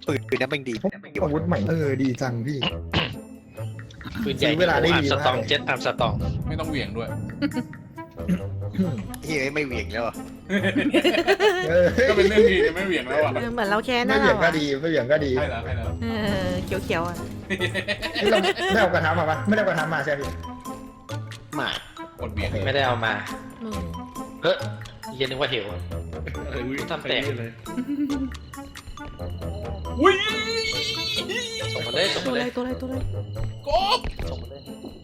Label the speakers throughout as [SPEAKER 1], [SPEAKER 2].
[SPEAKER 1] ปืนนั้นมันดี
[SPEAKER 2] อาวุธใหม่ดีจังพี่
[SPEAKER 3] ปืนใหญ่
[SPEAKER 2] เวลาได้
[SPEAKER 3] อาร์ม
[SPEAKER 2] ดี
[SPEAKER 3] ส
[SPEAKER 2] มาก
[SPEAKER 3] ตองเจ็ตอาร์มสตอง
[SPEAKER 4] ไม่ต้องเหวี่ยงด้วย
[SPEAKER 1] ที่ไม่เหวี่ยงแล้วอะ
[SPEAKER 4] ก็เป็นเรื่องดีไม่เหวี่ยงแล้วอ่ะ
[SPEAKER 5] เหมือนเราแค้น
[SPEAKER 2] ไม่
[SPEAKER 5] นะ
[SPEAKER 2] เหวี่ย
[SPEAKER 5] เรา
[SPEAKER 2] งก็
[SPEAKER 5] อะ
[SPEAKER 2] ดีไม่เหวี่ยงก็ดี
[SPEAKER 4] ใช่แล้วใช่แล้ว
[SPEAKER 5] เขียวๆอ่ะ
[SPEAKER 2] นี่เราได้เอากระทะมาปะไม่ได้เอากระทะมาใช่ไหมพี่
[SPEAKER 1] หมา
[SPEAKER 4] กดเหวี่ยง
[SPEAKER 3] ไม่ได้เอามา
[SPEAKER 5] อืม
[SPEAKER 3] เฮ้ยเย็นนึกว่าเหว ทำแตก
[SPEAKER 4] อุ้ย
[SPEAKER 3] ส่งมาเลยส่ง
[SPEAKER 5] ตัว
[SPEAKER 3] มา
[SPEAKER 5] อะไร
[SPEAKER 3] เลย
[SPEAKER 5] ตัวอะไรตัวอะไร
[SPEAKER 4] กบ
[SPEAKER 3] ส่งมาเลย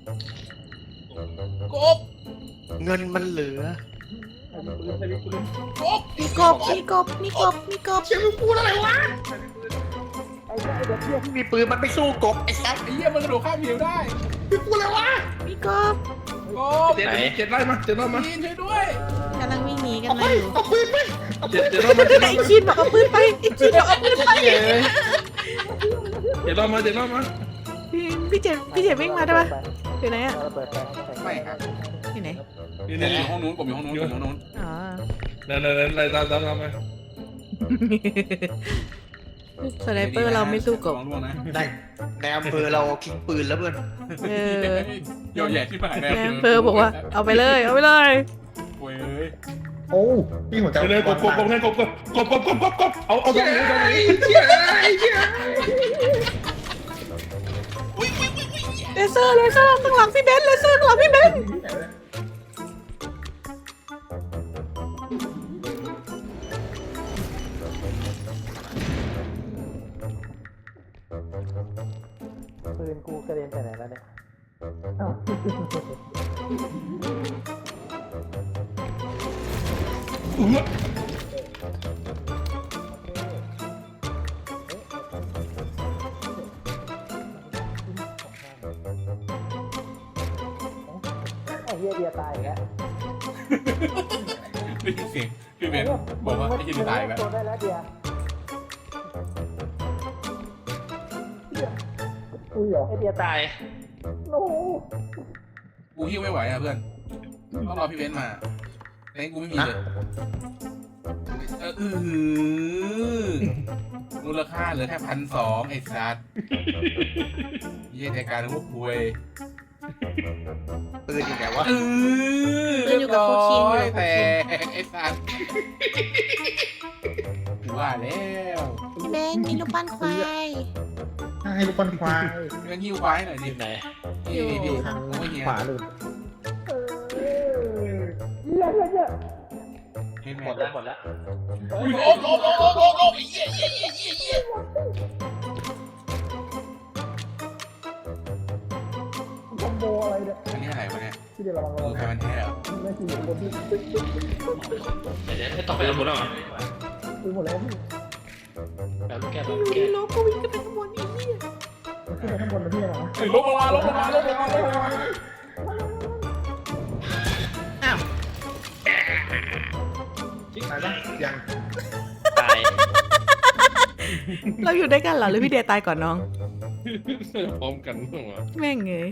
[SPEAKER 4] กบ
[SPEAKER 1] เงินมันเหลือก
[SPEAKER 4] บ
[SPEAKER 5] มีกบมีกบมีกบมีกบ
[SPEAKER 1] เชี่ยมึงพูดอะไรวะมีปืนมันไม่สู้กบไอ้สัส
[SPEAKER 4] ไอ้เหี้ยมันกระโดดข้ามเหวได้
[SPEAKER 1] มึงพูดอะไรวะ
[SPEAKER 5] มีกบ
[SPEAKER 4] กบ
[SPEAKER 3] ไหน
[SPEAKER 4] เจ็ดไล่มาช่วยด้วย
[SPEAKER 5] กำลังวิ่งหนีกัน
[SPEAKER 1] เอาไป
[SPEAKER 5] มาอยู่
[SPEAKER 1] เอาปืนไป
[SPEAKER 5] ไอ้คินบอกเอาปืนไปไอ้คินบอกเอาปืนไป
[SPEAKER 4] เจ็ดรอบมา
[SPEAKER 5] พี่เจ็บวิ่งมาได้ปะอยู่ไหนอ่ะ
[SPEAKER 4] ไม่ครับ
[SPEAKER 5] อยู่ไหน
[SPEAKER 4] นี่อยู่ห้องนู้นกบอยู่ห้องนู้นอยู่ห้องนู้น
[SPEAKER 5] อ๋อ
[SPEAKER 6] นั่นอะไรตามมา
[SPEAKER 5] สไนเปอร์เราไม่สู้กบ
[SPEAKER 4] ลองล่วงนะ
[SPEAKER 1] ในในอำเภอเราทิ้งปืนแล้วเพื่อน
[SPEAKER 5] เออ
[SPEAKER 4] โยแย่ที่ผ่าน
[SPEAKER 5] แอมเภอบอกว่าเอาไปเลยเอาไปเลย
[SPEAKER 4] โว้ย
[SPEAKER 2] โอ้พี่หัวใจ
[SPEAKER 6] เลยกบเอาตรงนี้
[SPEAKER 5] เลเซอร์ข้างหลังพี่เบนซ์เลเซอร์ข้างหลังพี่เบนซ์
[SPEAKER 7] ปืนกูกระเด็นไปไหนแล้วเนี่ยไอ้เหี้ยเดียตายอีกแล้ว
[SPEAKER 4] ได้ยินเสียงพี่เบนบอกว่าไอ้เหี้ยตายแล้ว
[SPEAKER 7] ตัวได้แล้วเดียอุ้ยเหรอไอ้เดียตาย
[SPEAKER 3] ตาย
[SPEAKER 7] โน้
[SPEAKER 4] กูหิ้วไม่ไหวอ่ะเพื่อนต้องรอพี่เบนมาแต่กูไม่มีเลยมูลค่าเหลือแค่1,200ไอ้สัตว์เยี่ยในการพวกคุย
[SPEAKER 1] ปืนอยู่ไหนวะ
[SPEAKER 4] แต่ไอ้สัตว์ว่าแล้ว
[SPEAKER 5] พี่เบนซ์มีลูกปั้นควาย
[SPEAKER 2] ให้ลูกบอลควาย
[SPEAKER 4] เรื่องหิ้วควายหน่อย
[SPEAKER 3] อ
[SPEAKER 4] ดิ
[SPEAKER 3] ยู่ไหน
[SPEAKER 4] พี่ไม่เหี้ย
[SPEAKER 2] ขวาเลย
[SPEAKER 3] หมดแล้วหมดแล้ว
[SPEAKER 4] โอ้ยเหี้ย
[SPEAKER 7] คอมโบอะไรเนี่ย
[SPEAKER 4] อันนี้อะไรวะเนี่ย
[SPEAKER 7] ที่เดียวระวัง
[SPEAKER 4] ใครมันแท้เหรอ
[SPEAKER 7] ไม่ขี่บนที่
[SPEAKER 3] เดี๋ยวไม่ต้องไปเอาหมดแล้ว
[SPEAKER 7] ซื้อหมดแล้วพี่
[SPEAKER 3] แบบลูกแก้ว
[SPEAKER 5] อยู่
[SPEAKER 3] ลูก
[SPEAKER 5] ดี
[SPEAKER 3] แก้ว
[SPEAKER 5] ล้อก็วิ่งขึ้นไปข้างบนอีกเนี่ย
[SPEAKER 7] ขึ้นไปข้างบนนะพี่นะ
[SPEAKER 4] ลงมา
[SPEAKER 5] อ้าว
[SPEAKER 2] ตายปะยัง
[SPEAKER 3] ตาย
[SPEAKER 5] เราอยู่ด้วยกันเหรอหรือพี่เดียตายก่อนน้อง
[SPEAKER 6] พร้อมกันเหรอ
[SPEAKER 5] แม่งเงย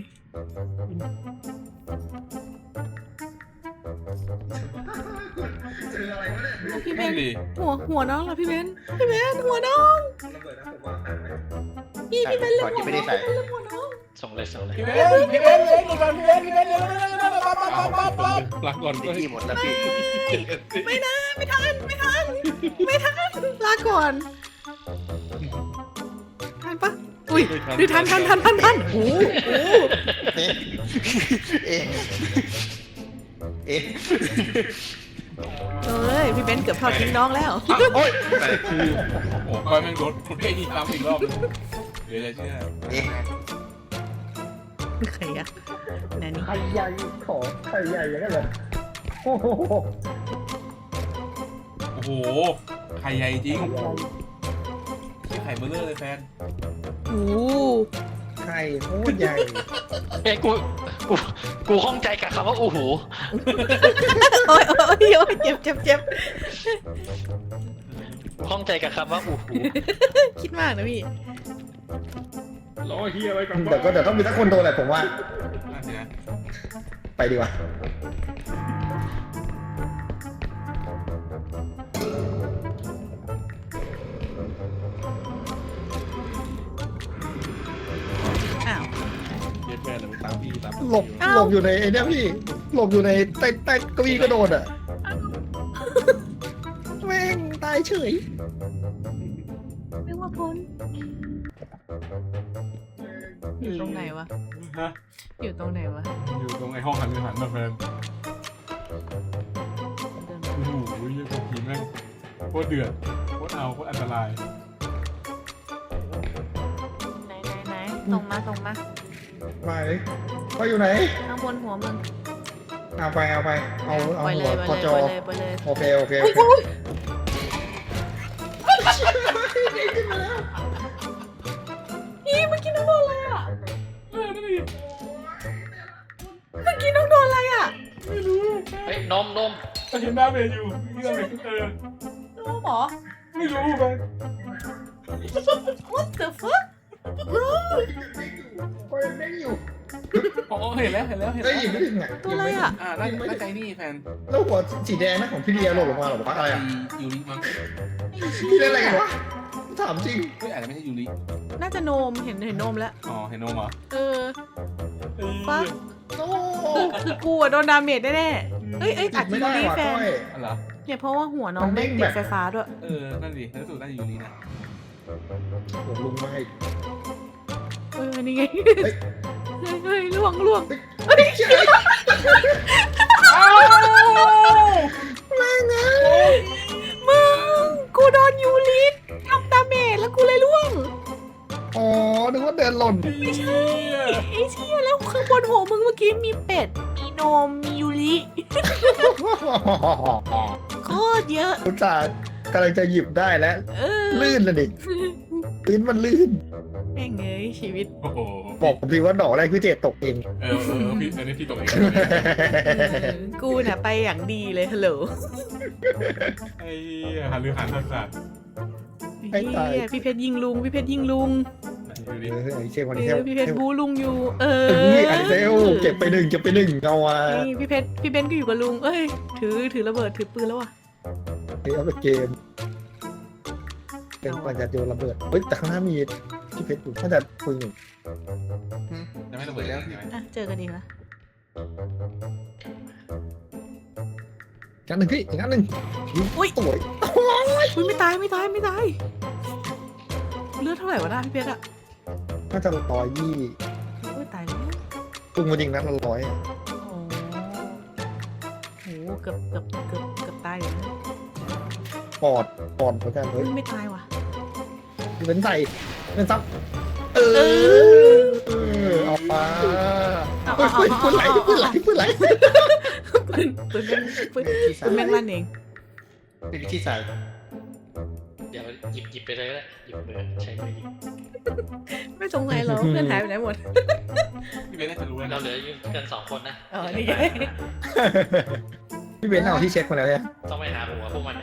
[SPEAKER 2] เจออะไรวะเนี่ย
[SPEAKER 5] พี่เบ
[SPEAKER 4] ไม่
[SPEAKER 5] นซ์
[SPEAKER 4] ดี
[SPEAKER 5] หัวน้องเหรอพี่เบนซ์พี่เบนซ์หัวน้องพี่เบนซ์
[SPEAKER 1] ก่อนที่ไม่ได้ใส่
[SPEAKER 5] หัวน้อง
[SPEAKER 3] ส่งเลยส่งเลย
[SPEAKER 4] พี่เบนเลย
[SPEAKER 6] ลาก่อน
[SPEAKER 1] นิ
[SPEAKER 6] ก็
[SPEAKER 1] กกี้หมดแล้วพี่
[SPEAKER 5] ไม่นะไม่ทันลาก่อนทันปะอุ้ยดูทันโอ้โห
[SPEAKER 1] เอ๊ะเอ๊ะ
[SPEAKER 5] เอ้ยพี่เบนซ์เกือบทอดทิ้งน้องแล้ว
[SPEAKER 1] โอ้ย
[SPEAKER 4] โอ้ก้อยแม่งโดนเท่ดีตามอีกรอบเดี๋ยวจะเชื่อ
[SPEAKER 1] เอ๊ะ
[SPEAKER 5] ใครอะไหนนี่
[SPEAKER 7] ไข่ใหญ่ของไข่ใหญ่อย่างนั้นเลยโอ้โห
[SPEAKER 4] โอ้โหไข่ใหญ่จริงไข่เบลเลอร์เลยแฟน
[SPEAKER 5] โอ้
[SPEAKER 2] ไข่โคตรใหญ่
[SPEAKER 3] เอ้ยกูข้องใจกับคำว่าอู้หู
[SPEAKER 5] โอ้ยเจ็บ
[SPEAKER 3] กูข้องใจกับคำว่าอู้หู
[SPEAKER 5] คิดมากนะพี่
[SPEAKER 6] รอเฮียอะไรกัน
[SPEAKER 2] เดี๋ยวต้องมีสักคนโดนแหละผมว่า
[SPEAKER 4] น่าเสีย
[SPEAKER 2] ไปดีกว่าหลบอยู่ในไอ้เนี่ยพี่หลบอยู่ในใต้เก้าอี้กระโดดอ่ะแม่งตายเฉย
[SPEAKER 5] นึกว่าพ้นอยู่ตรงไหนวะ
[SPEAKER 4] ฮะ
[SPEAKER 5] อยู่ตรงไหนวะ
[SPEAKER 4] อยู่ตรงไอ้ห้องหันมาแฟน
[SPEAKER 5] เดิน
[SPEAKER 4] โอ้โหยี่พวกผีแม่งโคตรเดือดโคตรเอาโคตรอันตราย
[SPEAKER 5] ไหนตรงมา
[SPEAKER 2] ไปอยู่ไหน
[SPEAKER 5] ข้างบนหัวมึง
[SPEAKER 2] เอาไปเอา
[SPEAKER 5] ปล่อย
[SPEAKER 2] หั
[SPEAKER 5] เล
[SPEAKER 2] วย
[SPEAKER 5] ป
[SPEAKER 2] พ
[SPEAKER 5] ล่
[SPEAKER 2] อ
[SPEAKER 5] อย
[SPEAKER 2] จ
[SPEAKER 5] เล
[SPEAKER 2] อย
[SPEAKER 5] ปล่อยเลย
[SPEAKER 2] โอเค
[SPEAKER 5] นี่เมื่อกี้น้องโดนอะไรอ่ะเมื่อกี้น้องโดนอะไรอ่ะ
[SPEAKER 3] เฮ้ยนม
[SPEAKER 4] ก็เห็นหน้าเมย์อยู่ที่เราเห็น
[SPEAKER 5] น้องหมอ
[SPEAKER 4] ไม่รู้ไป
[SPEAKER 5] What the fuck bro
[SPEAKER 2] ไปไม่อยู่
[SPEAKER 4] อ๋อเห็นแล้ว
[SPEAKER 2] ได้ยินไม่ถึงอ่ะ
[SPEAKER 5] ตัวอะไรอ่ะ
[SPEAKER 4] น่าใจนี่แฟน
[SPEAKER 2] แล้วหัวสีแดงนะของพี่เดียหล่นลงมาหรอวะอะไรอ่ะ
[SPEAKER 4] ยูริมั้ง
[SPEAKER 2] พี่เล่นอะไรกันวะถามจริง
[SPEAKER 4] เฮ้ยอาจจะไม่ใช่ยูริ
[SPEAKER 5] น่าจะโนมเห็นนมแล้ว
[SPEAKER 4] อ๋อเห็นโนมเหรอ
[SPEAKER 5] ฟัก
[SPEAKER 2] โอ้
[SPEAKER 5] คือกูอะโดนดาเมจแน่ๆเอ้ยอาจจะ
[SPEAKER 2] ไม่
[SPEAKER 5] ยู
[SPEAKER 2] ได้
[SPEAKER 5] ริ
[SPEAKER 2] ว่ะ
[SPEAKER 5] แฟ
[SPEAKER 2] ก้
[SPEAKER 5] น
[SPEAKER 2] อย
[SPEAKER 4] อ๋อเหรอ
[SPEAKER 5] เนี่ยเพราะว่าหัวน้อง
[SPEAKER 2] มันเด้
[SPEAKER 5] ไม่
[SPEAKER 2] ง
[SPEAKER 5] ติ
[SPEAKER 2] แบ
[SPEAKER 5] ด
[SPEAKER 2] บ
[SPEAKER 5] ไฟฟ้าด้วย
[SPEAKER 4] นั่นดิรู้สึกน่าจะยูรินะ
[SPEAKER 2] หัวลุงมาให้
[SPEAKER 5] นี่ไง
[SPEAKER 2] เฮ้ย
[SPEAKER 5] ล่วง
[SPEAKER 2] แม่งไง
[SPEAKER 5] มึงกูโดนยูริทำดาเมจแล้วกูเลยล่วง
[SPEAKER 2] อ๋อนึกว่าเดินหล่น
[SPEAKER 5] ไม่ใช่ไอ้เชี่ยแล้วข้างบนหัวมึงเมื่อกี้มีเป็ด มีโนม มียูริโคตรเยอะ
[SPEAKER 2] คุณตากำลังจะหยิบได้แล้ว ลื่นเลยดิพื้นมันลื่น
[SPEAKER 5] แม่งเอ้ยชีวิต
[SPEAKER 4] โอ้โห
[SPEAKER 2] บอกผมทีว่าดอกแรกพี่เจตกเอง
[SPEAKER 4] พี่อันนี้พี่ตกเอง
[SPEAKER 5] กูน่ะไปอย่างดีเลยฮัลโหล
[SPEAKER 4] ไอ้หันหรือหันสัตว์
[SPEAKER 2] ไอ้ตาย
[SPEAKER 5] เหี้ยพี่เพชรยิงลุง พี่เพชรยิงลุง
[SPEAKER 4] ยูริ
[SPEAKER 2] ไอ้เชี่ยคนนี้เทล
[SPEAKER 5] พี่เพชรบูลุงอยู่
[SPEAKER 2] ไอ้เซลเก็บไปหนึ่งเอาอ่ะ
[SPEAKER 5] นี่พี่เพชรพี่เบนก็อยู่กับลุง เอ้ย ถือระเบิดถือปืนแล้วอ่ะ
[SPEAKER 2] เอาไปเกมเป็นปัญญาโยนระเบิดเฮ้ยแต่ข้างหน้ามีพี่เพชรอยู่น่าจะปืนอยู่
[SPEAKER 4] จะไม่ระเบิดแล้วใช่ไหม
[SPEAKER 5] อ่ะเจอกันอีกแล้ว
[SPEAKER 2] อีกอันหนึ่งพี่อีกอันหนึ่ง
[SPEAKER 5] อุ้ย
[SPEAKER 2] สวย
[SPEAKER 5] อุ้ยไม่ตายเลือดเท่าไหร่วะนะพี่เพชรอ่ะ
[SPEAKER 2] น่าจะ120
[SPEAKER 5] อุ้ยตายแล้ว
[SPEAKER 2] ตุ้งมายิงนัดละ100
[SPEAKER 5] โอ้โหเกือบตายอยู่นะ
[SPEAKER 2] ปอดเหมือนกันเฮ้ย
[SPEAKER 5] ไม่ตายว่ะ
[SPEAKER 2] เป็นใส่เป็นซับเอาไปปืนไหลปืนแม่งลั่นเอง
[SPEAKER 1] เป็นที่ใส่
[SPEAKER 3] เดี๋ยวหยิบไปเลยก็ได้หยิบมือใช้มือหยิบ
[SPEAKER 5] ไม่สงสัยเหรอเพื่อนหายไปไหนหมด
[SPEAKER 4] พี่เบนน่าจะรู้แล้ว
[SPEAKER 3] เราเหลืออยู่กัน2 คนนะ
[SPEAKER 5] อ๋อนี่ไง
[SPEAKER 2] พี่เบนเอาที่เช็คมาแล้วเนี่ย
[SPEAKER 3] ต้องไปหาหัวพวกมันเลย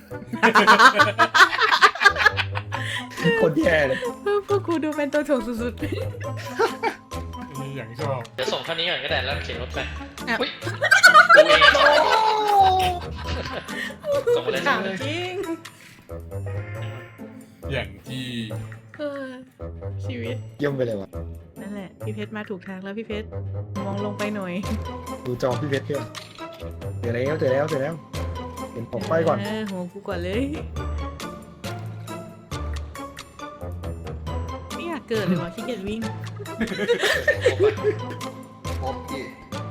[SPEAKER 2] คนแย่เลย
[SPEAKER 5] พวกกูดูเป็นตัวถ่วงสุด
[SPEAKER 4] อย่างชอบ
[SPEAKER 3] เดี๋ยวส่งเท่านี้ก่อนก็ได้แล้วเข็นรถไป
[SPEAKER 5] อ่ะ
[SPEAKER 3] อุ้ยกูเองส่งมาเลย
[SPEAKER 5] ๆถามจริง
[SPEAKER 4] อย่างที่
[SPEAKER 5] เออชีวิต
[SPEAKER 2] เยี่ยมไปเลยว่ะ
[SPEAKER 5] นั่นแหละพี่เพชรมาถูกทางแล้วพี่เพชรมองลงไปหน่อย
[SPEAKER 2] ดูจอพี่เพชรด้วยเจอแล้วเห็นผมไปก่อน
[SPEAKER 5] หัวกูก่อนเลยไม่อยากเกิดเลยวะขี้เกียจวิ่ง
[SPEAKER 1] พบที่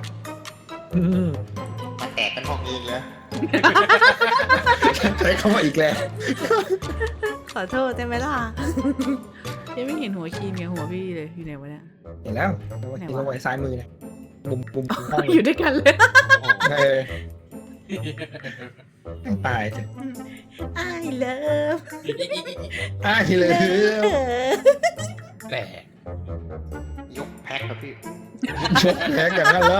[SPEAKER 1] มาแตกกันห้องเองแล้ว
[SPEAKER 2] ใช้คำว่าอีกแล้ว
[SPEAKER 5] ขอโทษได้ไหมล่ะยังไม่เห็นหัวคีนกับหัวพี่เลยอยู่ไหนวะเนี่ย
[SPEAKER 2] เห็นแล้วเห็นลงไว้ซ้ายมือเนี่ยมุมห้อง
[SPEAKER 5] อยู่ด้วยกันเลย
[SPEAKER 2] ตายเถอะ
[SPEAKER 5] I love
[SPEAKER 2] เลย
[SPEAKER 4] แต่
[SPEAKER 1] ยกแพ็คครับพี่
[SPEAKER 2] แพ้กันแล้ว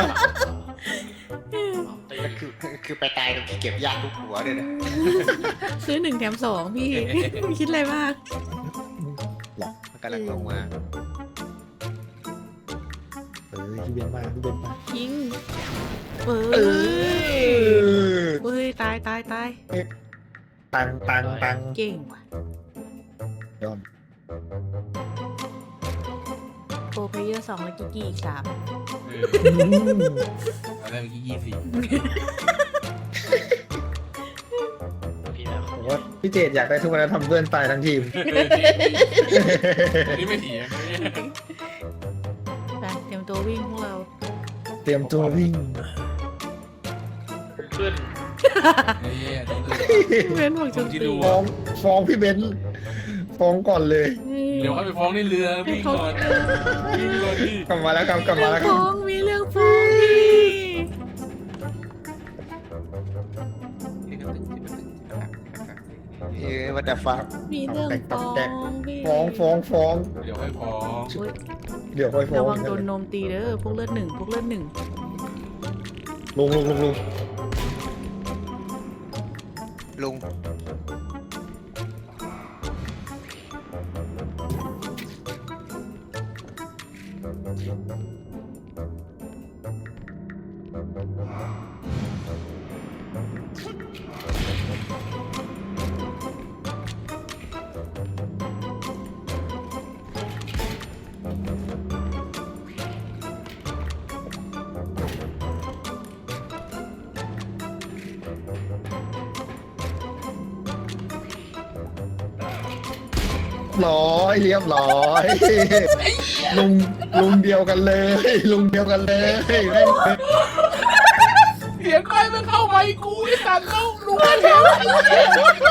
[SPEAKER 1] ก็คือไปตายตรงที่เก็บยากทุกหัวเลยนะ
[SPEAKER 5] ซื้อ1 แถม 2พี่ คิดอะไรมาก
[SPEAKER 1] มันกำลังลงมา
[SPEAKER 2] พี่เบนมา
[SPEAKER 5] ยิงเฮ้ยตาย
[SPEAKER 2] ตัง
[SPEAKER 5] เก่งว่ะ
[SPEAKER 2] ยอม
[SPEAKER 5] โปรเพเยอร์2แล้วกิกกี้อีก3
[SPEAKER 4] อะไรเมื่อกี้20
[SPEAKER 3] พี่นะ
[SPEAKER 2] ผมว่าพี่เจดอยากได้ทุกวันแล้วทำเพื่อนตายทั้งทีม
[SPEAKER 4] อันนี้ไม่ถีบ
[SPEAKER 5] ไปเตรียมตัววิ่งพวกเรา
[SPEAKER 2] เตรียมตัววิ่ง
[SPEAKER 3] ขึ้น
[SPEAKER 4] นี่ต้อง
[SPEAKER 5] พี่เบนบอกโจมตี
[SPEAKER 2] ฟ้องพี่เบนซ์ฟ้องก่อนเลย
[SPEAKER 4] เดี๋ยวเขาไปฟ้องในเรือวิ่งก่อนวิ่งก่อนพี่
[SPEAKER 2] กลับมาแล้วครับกลับมาแล้วค
[SPEAKER 5] ฟ้
[SPEAKER 2] รับ
[SPEAKER 5] องมีเรื่องฟ้องพี่
[SPEAKER 1] วันแต่ฟัง
[SPEAKER 5] มีเรื่องฟ้องพี่
[SPEAKER 2] ฟ้อง
[SPEAKER 4] เดี๋ยวให้ฟ้อง
[SPEAKER 5] อุ๊ย
[SPEAKER 2] เดี๋ยวค่อยฟ้อ
[SPEAKER 5] ระ
[SPEAKER 2] ง
[SPEAKER 5] วังโดนนมตีเด้อพวกเลือด 1พวกเลือด 1
[SPEAKER 2] ลุง
[SPEAKER 1] ลุง
[SPEAKER 2] ร้อยเรียบร้อยลุงเดียวกันเลยลุงเดียวกันเลยแม่ง
[SPEAKER 4] เสียงใครมันเข้าไปกูไอ้สัตว์เข้าลุงเห็น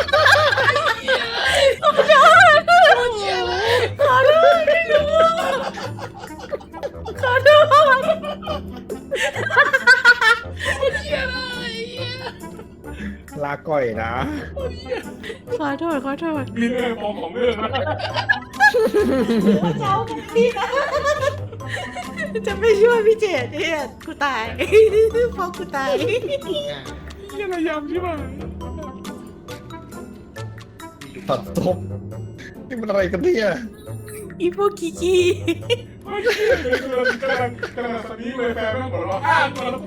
[SPEAKER 5] ขอโทษพี่ลุงขอโทษ
[SPEAKER 2] ลาก่อยนะ
[SPEAKER 5] ขอโทษ
[SPEAKER 6] มีเรื่องของเรื่องนะ
[SPEAKER 5] เจ้าพี่นะจะไม่ช่วยพี่เจดเนี่ยกูตายเพราะกูตาย
[SPEAKER 6] ยังพยายามใช่ไหม
[SPEAKER 2] ตัดศพนี่มันอะไรกันเนี่ย
[SPEAKER 5] อีพวกกิกกี้
[SPEAKER 6] ไม่ใช่กำลังตอนนี้เลยแฟนไม่หัวเราะตัวแล้ว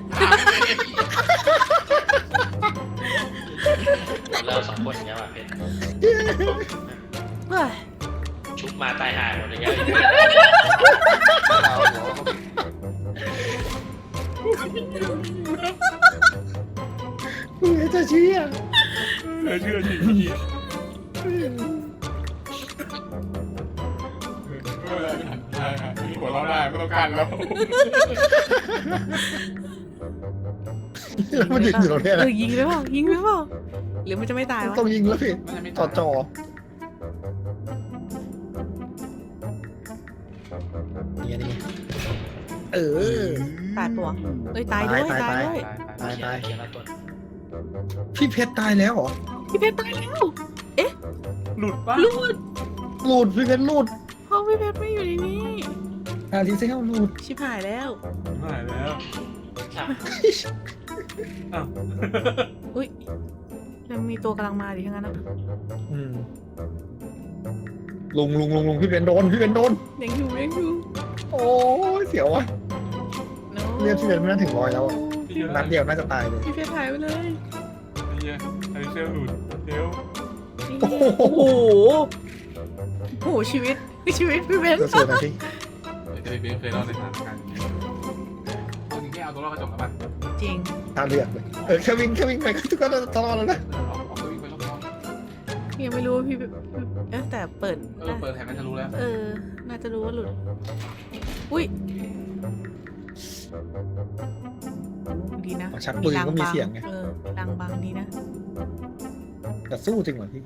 [SPEAKER 3] เรา2 คนอย่างเงี้ยว่ะเพชร
[SPEAKER 5] เฮ้ย
[SPEAKER 3] ชุบมาตายหายหมดอย่างเงี้ย
[SPEAKER 1] เราหัวเขา
[SPEAKER 2] มึงจะเชื่อ
[SPEAKER 6] เชื่อจริงพี่มีหัวเราะได้ไม่ต้องการแล้ว
[SPEAKER 2] แล้วมันยิงอยู่ตรงเนี้ยนะ
[SPEAKER 5] ยิงไปเปล่าหรือมันจะไม่ตายวะ
[SPEAKER 2] ต้องยิงแล้วพี่จ่อนี่ไงเออ
[SPEAKER 5] ตายปะวะเอ้ยตายด้วย
[SPEAKER 2] ตาย
[SPEAKER 5] ตายด้วย
[SPEAKER 2] ตาย
[SPEAKER 3] เขียนแล้วตัว
[SPEAKER 2] พี่เพชรตายแล้วเหรอ
[SPEAKER 5] พี่เพชรตายแล้ว
[SPEAKER 6] หลุดป่ะ
[SPEAKER 5] หลุด
[SPEAKER 2] หลุดพี่เพชรหลุด
[SPEAKER 5] ห้องพี่เพชรไม่อยู่ในนี้
[SPEAKER 2] อาทิเซลหลุด
[SPEAKER 5] ชิบหายแล้ว
[SPEAKER 6] หายแล้ว
[SPEAKER 5] อุ้ยแล้วมีตัวกำลังมาดิทั้งนั้นนะ
[SPEAKER 2] อืมลุงพี่เพชรโดน
[SPEAKER 5] ยังอยู่
[SPEAKER 2] โอ้ยเสียวว่ะ
[SPEAKER 5] No
[SPEAKER 2] เลือดพี่เพชรไม่น่าถึง100แล้วอะนัดเดียวน่าจะตายเลย
[SPEAKER 5] พี่เพชรหายไปเลย
[SPEAKER 6] ไอ้เซลหลุดเดี๋ยว
[SPEAKER 5] โอ้โหชีวิตพี่เพชร
[SPEAKER 2] เสือนะพี่
[SPEAKER 4] จะไปเบฟเคยเล่าในทางการเอาจริงแค่เอาตัวรอดกระจกแล้วป่ะ
[SPEAKER 5] จริง
[SPEAKER 2] ท่าเลือกเลยแค่วิ่งไปก็ทุกคนตลอดแล้วนะ
[SPEAKER 4] เอาตัววิ่งไปรอบ
[SPEAKER 5] ยังไม่รู้ว่าพี่แต่เปิด
[SPEAKER 4] ๆเปิดแถบนั้นจะรู้แล้ว
[SPEAKER 5] น่าจะรู้ว่าหลุดอุ้ยดีนะ
[SPEAKER 2] ชักปืนก็มีเสียงไง
[SPEAKER 5] ดังบังดีนะ
[SPEAKER 2] แต่สู้จริงเหรอพี่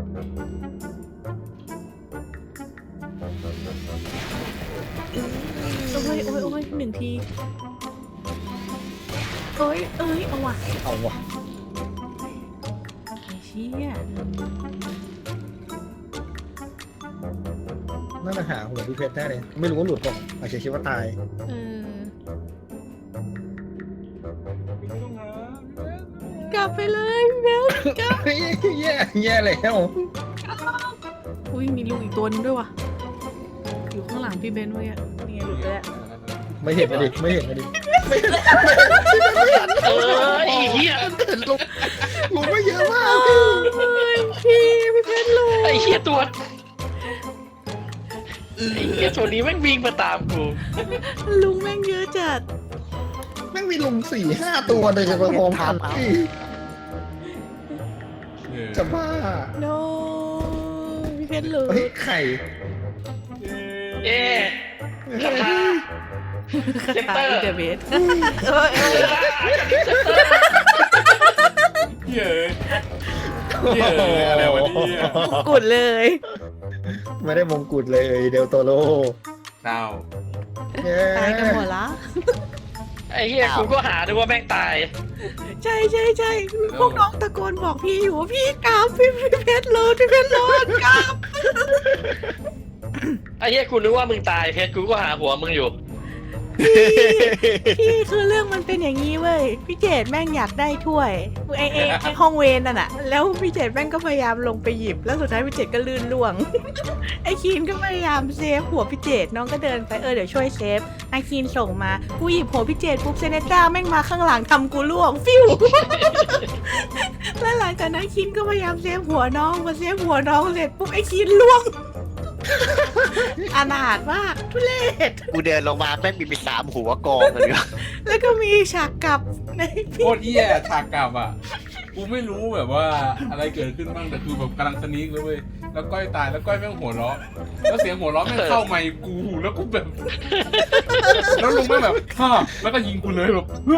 [SPEAKER 5] โอ้ย1 ทีเอ้ยเอาว่ะ
[SPEAKER 2] เอาว่ะ
[SPEAKER 5] ไอ้เชี่ย
[SPEAKER 2] น่าจะหาหัวพี่เพชรแน่เลยไม่รู้ว่าหลุดหรอกอาจจะคิดว่าตาย
[SPEAKER 5] กลับไปเลยพี่เบลกลับ
[SPEAKER 2] แย่แล้ว
[SPEAKER 5] อุ้ยมีลุงอีกตัวนึงด้วยว่ะอยู่ข้างหลังพี่เบนเว้ยนี่ไงหลุดไปแล้ว
[SPEAKER 2] ไม่เห็นมาดิ
[SPEAKER 3] ไอ้เหี้ย
[SPEAKER 2] ลุงไม่เยอะมาก
[SPEAKER 5] พี่เพชรลุง
[SPEAKER 3] ไอ้เหี้ยตัวไอ้เหี้ยตัวนี้แม่งวิ่งมาตามกู
[SPEAKER 5] ลุงแม่งเยอะจัด
[SPEAKER 2] แม่งมีลุง4-5 ตัวเลยจะมาพร้อมกันจะบ้า
[SPEAKER 5] โนพี่เพชรหลุ
[SPEAKER 2] เฮ้ย
[SPEAKER 5] ด
[SPEAKER 2] ไข่
[SPEAKER 3] เอ๊ะคาถา
[SPEAKER 5] คา
[SPEAKER 3] เซน
[SPEAKER 5] ถา
[SPEAKER 3] เตอร์
[SPEAKER 5] อินเตอร์เบส
[SPEAKER 6] เย้เย้อะไรวะเนี่ย
[SPEAKER 5] กุดเลย
[SPEAKER 2] ไม่ได้มงกุฎเลยเดลโตโร
[SPEAKER 4] เต้า
[SPEAKER 2] เย้
[SPEAKER 5] ตายกันหมดละ
[SPEAKER 3] ไอ้เหี้ยกูก็หาดูว่าแม่งตาย
[SPEAKER 5] ใช่ใช่ใช่พวกน้องตะโกนบอกพี่อยู่ว่าพี่กราบพี่เพชรโลดพี่เพชรโลดกราบ
[SPEAKER 3] ไอ้เหี้ยกูนึกว่ามึงตายเพชรกูก็หาหัวมึงอยู่
[SPEAKER 5] พี่คือเรื่องมันเป็นอย่างนี้เว้ยพี่เจดแม่งอยากได้ถ้วยไอห้องเวนนั่นน่ะแล้วพี่เจดแม่งก็พยายามลงไปหยิบแล้วสุดท้ายพี่เจดก็ลื่นล่วง ไอคีนก็พยายามเซฟหัวพี่เจดน้องก็เดินไปเดี๋ยวช่วยเซฟไอคีนส่งมากูหยิบหัวพี่เจดปุ๊บเซเนต้าแม่งมาข้างหลังทำกูล่วงฟิว แล้วหลังจากนั้นคีนก็พยายามเซฟหัวน้องมาเซฟหัวน้องเสร็จปุ๊บไอคีนล่วง อนาถมากทุเรศ
[SPEAKER 1] กูเดินลงมาแม่งมี3 หัวกองเลย
[SPEAKER 5] แล้วก็มีฉากกลับใน
[SPEAKER 4] โคตรเหี้ยฉากกลับอ่ะกูไม่รู้แบบว่าอะไรเกิดขึ้นบ้างแต่คือแบบกำลังสนิกเลยเว้ยแล้วก้อยตายแล้วก้อยแม่งหัวเราะแล้วเสียงหัวเราะแม่งเข้าไมค์กูแล้วกูแบบแล้วลุงแม่งแบบฮ่าแล้วก็ยิงกูเลยแบบโค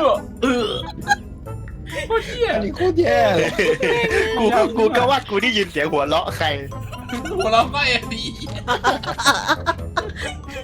[SPEAKER 4] ตรเหี้ย
[SPEAKER 2] อันนี้โคตรแย่เลย
[SPEAKER 1] กูก็ว่ากูได้ยินเสียงหัวเราะใคร
[SPEAKER 4] หัวเราะก็เอ็นดี